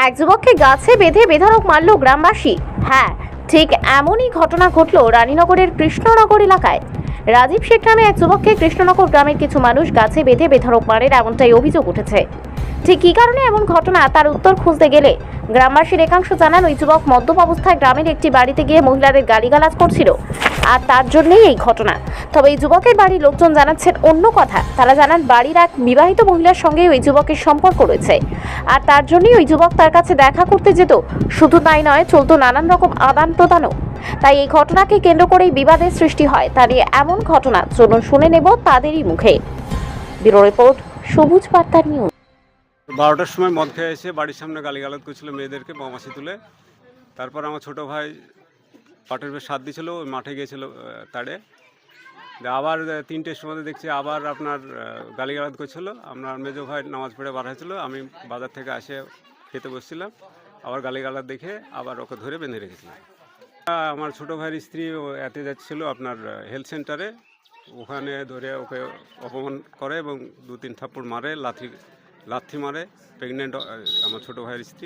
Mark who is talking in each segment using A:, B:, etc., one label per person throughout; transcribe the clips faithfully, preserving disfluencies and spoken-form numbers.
A: এক যুবককে গাছে বেঁধে বেধড়ক মারল গ্রামবাসী। হ্যাঁ, ঠিক এমনই ঘটনা ঘটল রানীনগরের কৃষ্ণনগর এলাকায়। রাজীব শেখ নামে এক যুবককে কৃষ্ণনগর গ্রামের কিছু মানুষ গাছে বেঁধে বেধড়ক মারে, এমনটাই অভিযোগ উঠেছে। ঠিক কী কারণে এমন ঘটনা তার উত্তর খুঁজতে গেলে গ্রামবাসীর একাংশ জানান, ওই যুবক মদ্যপ অবস্থায় গ্রামের একটি বাড়িতে গিয়ে মহিলাদের গালিগালাজ করছিল, আর তার জন্যই এই ঘটনা। তবে এই যুবকের বাড়ির লোকজন জানাচ্ছেন অন্য কথা। তারা জানান বাড়ির এক বিবাহিত মহিলার সঙ্গে ওই যুবকের সম্পর্ক রয়েছে, আর তার জন্যই ওই যুবক তার কাছে দেখা করতে যেত। শুধু তাই নয়, চলতো নানান রকম আদান প্রদানও। তাই এই ঘটনাকে কেন্দ্র করেই বিবাদের সৃষ্টি হয়। তা নিয়ে এমন ঘটনা চলুন শুনে নেব তাদেরই মুখে। ব্যুরো রিপোর্ট, সবুজ বার্তা নিউজ।
B: বারোটার সময় মদ খেয়ে এসে বাড়ির সামনে গালিগালাজ করছিল মেয়েদেরকে বমাসি তুলে। তারপর আমার ছোট ভাই পাটের বেশ সাত দিয়েছিল, ওই মাঠে গিয়েছিল তাড়ে। আবার তিনটের সময় দেখছি আবার আপনার গালিগালাজ করছিল। আমার মেজো ভাই নামাজ পড়ে বার হয়েছিল, আমি বাজার থেকে আসে খেতে বসছিলাম, আবার গালিগালাজ দেখে আবার ওকে ধরে বেঁধে রেখেছিলাম। আমার ছোটো ভাইয়ের স্ত্রী এতে যাচ্ছিল আপনার হেলথ সেন্টারে, ওখানে ধরে ওকে অপমান করে এবং দু তিন থাপ্পড় মারে, লাথি লাথি মারে। প্রেগনেন্ট আমার ছোটো ভাইয়ের স্ত্রী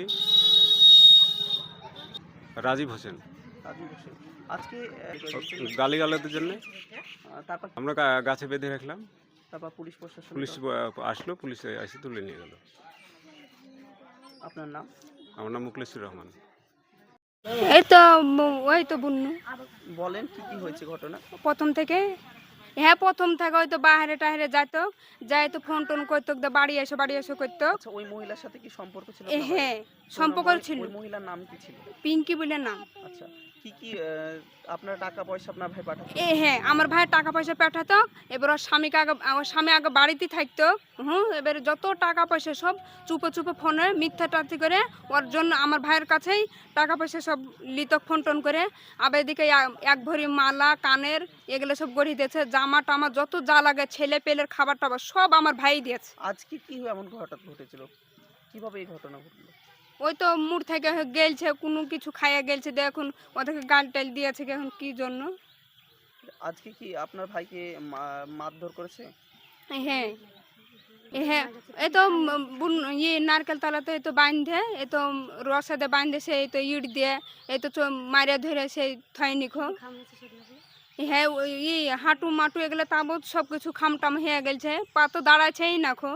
B: রাজীব হোসেন।
C: আজকে
B: গালিগালাজের জন্য
C: তারপর
B: আমরা গাছে বেঁধে রাখলাম।
C: তারপর পুলিশ প্রশাসন
B: পুলিশ আসলো, পুলিশ এসে তুলে নিয়ে গেল।
C: আপনার নাম?
B: আমার নাম মুখলেসুর রহমান।
D: এই তো ওই তো বুন্নু।
C: বলেন কি কি হয়েছে ঘটনা?
D: প্রথম থেকে হ্যাঁ প্রথম থেকে ওই তো বাইরে টাহেরে যাইতো, যাই তো ফোন টোন করতো, বাড়ি এসে বাড়ি এসে করতো।
C: আচ্ছা, ওই মহিলার সাথে কি সম্পর্ক ছিল?
D: হ্যাঁ, সম্পর্ক ছিল।
C: ওই মহিলার নাম কি ছিল?
D: পিঙ্কি বলে নাম।
C: আচ্ছা, কি কি আপনার টাকা পয়সা আপনার ভাই পাঠাতো?
D: এ হ্যাঁ, আমার ভাই টাকা পয়সা পাঠাতো। এবার ওর স্বামীকে আগে, আমার স্বামী আগে বাড়িতে থাকতো। হুম, এবারে যত টাকা পয়সা সব চুপে চুপে ফোনে মিথ্যা টাথি করে ওর জন্য আমার ভাইয়ের কাছেই টাকা পয়সা সব লিত ফোন টোন করে। আবার এদিকে এক ভরি মালা কানের এগুলো সব গড়িয়ে দিয়েছে, জামা টামা যত যা লাগে ছেলে পেলের খাবার টাবার সব আমার ভাই দিয়েছে।
C: আজকে কি এমন ঘটনা ঘটেছিল? কিভাবে এই ঘটনা ঘটলো?
D: ওই তো মুড় থেকে গেলছে, কোনো কিছু খাইয়া গেলছে, দেখুন ওদেরকে গাল টাল দিয়েছে এখন কি জন্য।
C: আজকে কি আপনার ভাইকে মারধর করেছে?
D: হ্যাঁ হ্যাঁ, এই তো ইয়ে নারকেল তলাতে এই তো বাঁধে, এই তো রসাদে বাঁধেছে, এই তো ইট দিয়ে এই তো মারিয়া ধরে সেই থয় নিখো। হ্যাঁ, ই হাঁটু মাটু এগুলো তাবৎ সব কিছু খামটাম হয়ে গেছে, পা তো দাঁড়াছেই না খো।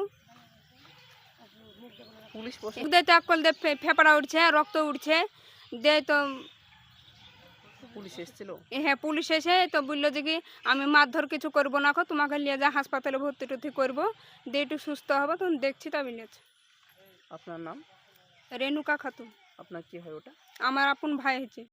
C: পুলিশ
D: ফেপড়া উঠছে, রক্ত উঠছে, দে তো
C: পুলিশ এসেছিল।
D: হ্যাঁ, পুলিশ এসে তো বললো যে কি আমি মারধর কিছু করবো না, খো তোমাকে নিয়ে যা হাসপাতালে ভর্তি টর্তি করবো, দিয়ে একটু সুস্থ হবো, তখন দেখছি তা বলেছে।
C: আপনার নাম?
D: রেণুকা খাতুন।
C: আপনার কি হয় ওটা?
D: আমার আপন ভাই হয়েছে।